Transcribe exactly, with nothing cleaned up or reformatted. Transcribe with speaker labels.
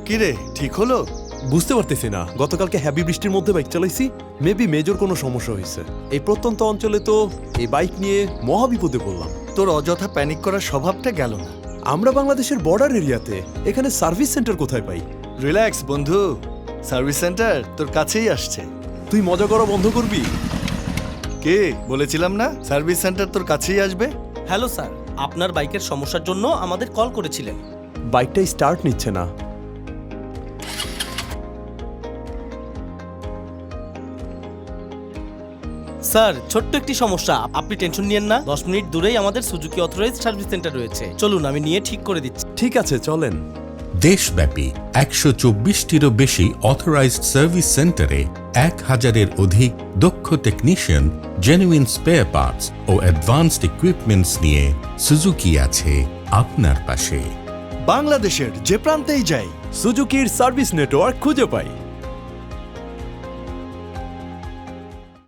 Speaker 1: কি রে, ঠিক হলো?
Speaker 2: বুঝতে পারতেছি না, গতকালকে হ্যাভি বৃষ্টির মধ্যে বাইক চালাইছি, মেবি মেজর কোনো সমস্যা হয়েছে। এই প্রত্যন্ত অঞ্চলে তো এই বাইক নিয়ে মহাবিপদে পড়লাম।
Speaker 1: তোর অযথা প্যানিক করার স্বভাবটা গেল না।
Speaker 2: আমরা বাংলাদেশের বর্ডার এরিয়াতে, এখানে সার্ভিস সেন্টার কোথায় পাই?
Speaker 1: রিল্যাক্স বন্ধু, সার্ভিস সেন্টার তোর কাছেই আসছে।
Speaker 2: তুই মজা করা বন্ধ করবি?
Speaker 1: কে বলেছিলাম না সার্ভিস সেন্টার তোর কাছেই আসবে?
Speaker 3: হ্যালো স্যার, আপনার বাইকের সমস্যার জন্য আমাদের কল করেছিলেন।
Speaker 2: বাইকটা স্টার্ট নিচ্ছে না।
Speaker 3: স্যার, ছোট্ট একটি সমস্যা, আপনি টেনশন নিয়েন না। দশ মিনিট দূরেই আমাদের সুজুকি অথরাইজড সার্ভিস সেন্টার রয়েছে। চলুন, আমি নিয়ে ঠিক করে দিচ্ছি।
Speaker 2: ঠিক আছে, চলেন।
Speaker 4: দেশব্যাপী একশো চব্বিশটিরও বেশি অথরাইজড সার্ভিস সেন্টারে এক হাজারের অধিক দক্ষ টেকনিশিয়ান, জেনুইন স্পেয়ার পার্টস ও অ্যাডভান্সড ইকুইপমেন্টস নিয়ে সুজুকি আছে আপনার পাশে।
Speaker 1: বাংলাদেশের যে প্রান্তেই যাই,
Speaker 2: সুজুকির সার্ভিস নেটওয়ার্ক খুঁজে পাই।